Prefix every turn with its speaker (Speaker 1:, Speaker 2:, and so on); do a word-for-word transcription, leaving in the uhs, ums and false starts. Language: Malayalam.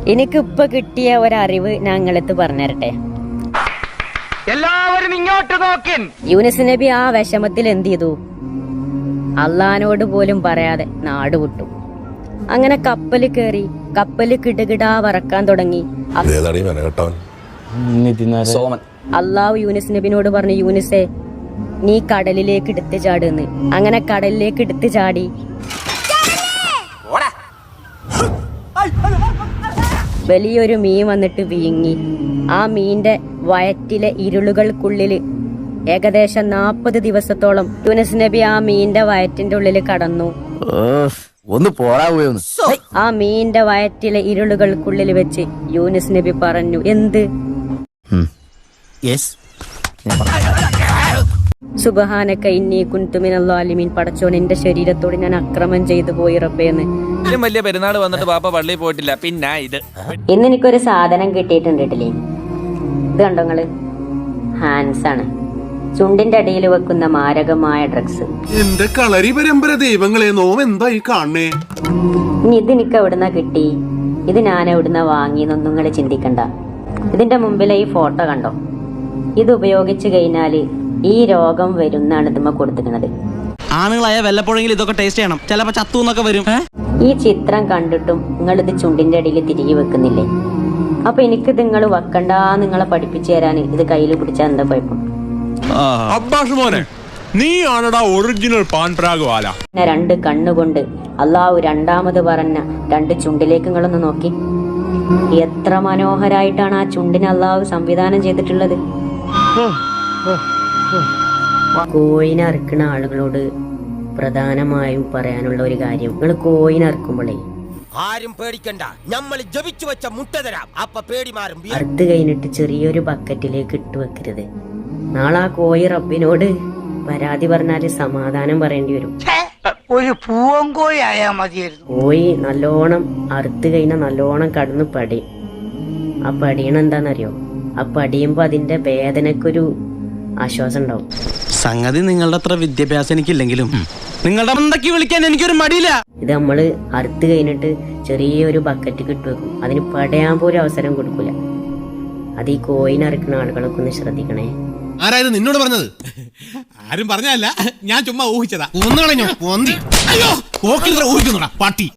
Speaker 1: എനിക്കിപ്പൊ കിട്ടിയ ഒരറിവ് ഞങ്ങളെത്ത് പറഞ്ഞുതരട്ടെ.
Speaker 2: എല്ലാവരും ഇങ്ങോട്ട് നോക്കിൻ.
Speaker 1: യൂനുസ് നബി ആ വിഷമത്തിൽ എന്ത് ചെയ്തു? അള്ളഹാനോട് പോലും പറയാതെ നാട് വിട്ടു. അങ്ങനെ കപ്പല് കയറി കപ്പല് കിടുകിടാ വറക്കാൻ തുടങ്ങി. അള്ളാഹു യൂനുസ് നബിനോട് പറഞ്ഞു, യൂനുസേ നീ കടലിലേക്ക് എടുത്ത് ചാടുന്ന്. അങ്ങനെ കടലിലേക്ക് എടുത്ത് ചാടി. വലിയൊരു മീൻ വന്നിട്ട് വീങ്ങി. ആ മീന്റെ വയറ്റിലെ ഇരുളുകൾക്കുള്ളില് ഏകദേശം നാപ്പത് ദിവസത്തോളം യൂനുസ് നബി ആ മീന്റെ വയറ്റിന്റെ ഉള്ളിൽ കടന്നു.
Speaker 3: ഒന്ന് പോരാവുകയൊന്ന്.
Speaker 1: ആ മീന്റെ വയറ്റിലെ ഇരുളുകൾക്കുള്ളിൽ വെച്ച് യൂനുസ് നബി പറഞ്ഞു, എന്ത്? സുബ്ഹാനക ഇന്നി കുൻതു മിനൽ ളാലിമീൻ. പടച്ചോൻ, എന്റെ ശരീരത്തോട് ഞാൻ അക്രമം ചെയ്തു പോയി റബ്ബേന്ന്.
Speaker 4: വലിയ പെരുന്നാൾ വന്നിട്ട് പാപ്പ പള്ളിയിൽ പോയിട്ടില്ല. പിന്നെ ഇത്
Speaker 1: ഇന്ന് എനിക്കൊരു സാധനം കിട്ടിയിട്ടുണ്ട് കേട്ടില്ലേ? ഇത് കണ്ടോ നിങ്ങള്? ഹാൻസ് ആണ്. ചുണ്ടിന്റെ അടിയിൽ വെക്കുന്ന മാരകമായ ഡ്രഗ്സ്.
Speaker 5: എന്റെ കളരി പരമ്പര ദൈവങ്ങളെ, നോം എന്തായി കാണണേ?
Speaker 1: ഇനി ഇത് എനിക്ക് എവിടുന്ന കിട്ടി, ഇത് ഞാൻ എവിടുന്ന വാങ്ങിയെന്നൊന്നും നിങ്ങൾ ചിന്തിക്കണ്ട. ഇതിന്റെ മുമ്പിലെ ഈ ഫോട്ടോ കണ്ടോ? ഇത് ഉപയോഗിച്ചു കഴിഞ്ഞാല് ഈ രോഗം വരുന്നാണ് ഇതുമ്മ കൊടുത്തിരിക്കുന്നത്.
Speaker 6: ആണുങ്ങളായ വല്ലപ്പോഴെങ്കിലും ഇതൊക്കെ ടേസ്റ്റ് ചെയ്യണം, ചിലപ്പോ ചത്തു എന്നൊക്കെ വരും.
Speaker 1: ഈ ചിത്രം കണ്ടിട്ടും നിങ്ങൾ ഇത് ചുണ്ടിന്റെ അടിയിൽ തിരികെ വെക്കുന്നില്ലേ? അപ്പൊ എനിക്ക് നിങ്ങൾ വെക്കണ്ടാ നിങ്ങളെ പഠിപ്പിച്ചു തരാൻ ഇത് കയ്യിൽ പിടിച്ചാൽ എന്താ കുഴപ്പം?
Speaker 5: അബ്ബാസ് മോനെ, നീ ആണടാ ഒറിജിനൽ പാൻപ്രാഗവാല.
Speaker 1: രണ്ട് കണ്ണുകൊണ്ട് അള്ളാഹു രണ്ടാമത് പറഞ്ഞ രണ്ട് ചുണ്ടിലേക്ക് നിങ്ങളൊന്ന് നോക്കി. എത്ര മനോഹരായിട്ടാണ് ആ ചുണ്ടിന് അള്ളാഹു സംവിധാനം ചെയ്തിട്ടുള്ളത്. കോയിനെ അറുക്കുന്ന ആളുകളോട് പ്രധാനമായും പറയാനുള്ള ഒരു കാര്യം, നിങ്ങൾ കോയിനെ അറുക്കുമ്പോഴേ
Speaker 3: ആരും പേടിക്കണ്ട, നമ്മൾ ജപിച്ചു വെച്ച മുട്ട തരാം, അപ്പ പേടി മാറും.
Speaker 1: അറുത്ത് കഴിഞ്ഞിട്ട് ചെറിയൊരു ബക്കറ്റിലേക്ക് ഇട്ട് വെക്കരുത്. നാളെ ആ കോയി റബ്ബിനോട് പരാതി പറഞ്ഞാല് സമാധാനം പറയേണ്ടി വരും.
Speaker 2: ഒരു പൂവങ്കോയി ആയാ മതിയായിരുന്നു.
Speaker 1: കോയി നല്ലോണം അറുത്ത് കഴിഞ്ഞാൽ നല്ലോണം കടന്ന് പടിയും. ആ പടിയണ എന്താന്നറിയോ? ആ പടിയുമ്പോ അതിന്റെ വേദനക്കൊരു ആശ്വാസം ഉണ്ടാവും.
Speaker 6: സംഗതി നിങ്ങളുടെ അത്ര വിദ്യാഭ്യാസം എനിക്കില്ലെങ്കിലും നിങ്ങളുടെ മന്ദക്കി വിളിക്കാൻ എനിക്കൊരു മടിയില്ല.
Speaker 1: ഇത് നമ്മള് അറുത്ത് കഴിഞ്ഞിട്ട് ചെറിയൊരു ബക്കറ്റ് കിട്ടു വെക്കും. അതിന് പടയാൻ പോലും അവസരം കൊടുക്കൂല. അത് ഈ കോയിനെ അറുക്കുന്ന ആളുകളൊക്കെ ഒന്ന് ശ്രദ്ധിക്കണേ.
Speaker 5: ആരായിരുന്നു നിന്നോട് പറഞ്ഞത്? ആരും പറഞ്ഞല്ല, ഞാൻ ചുമ്മാ ഊഹിച്ചതാ. ഒന്നുകളഞ്ഞോ? അയ്യോ, ഊഹിക്കുന്നുടാ പട്ടി.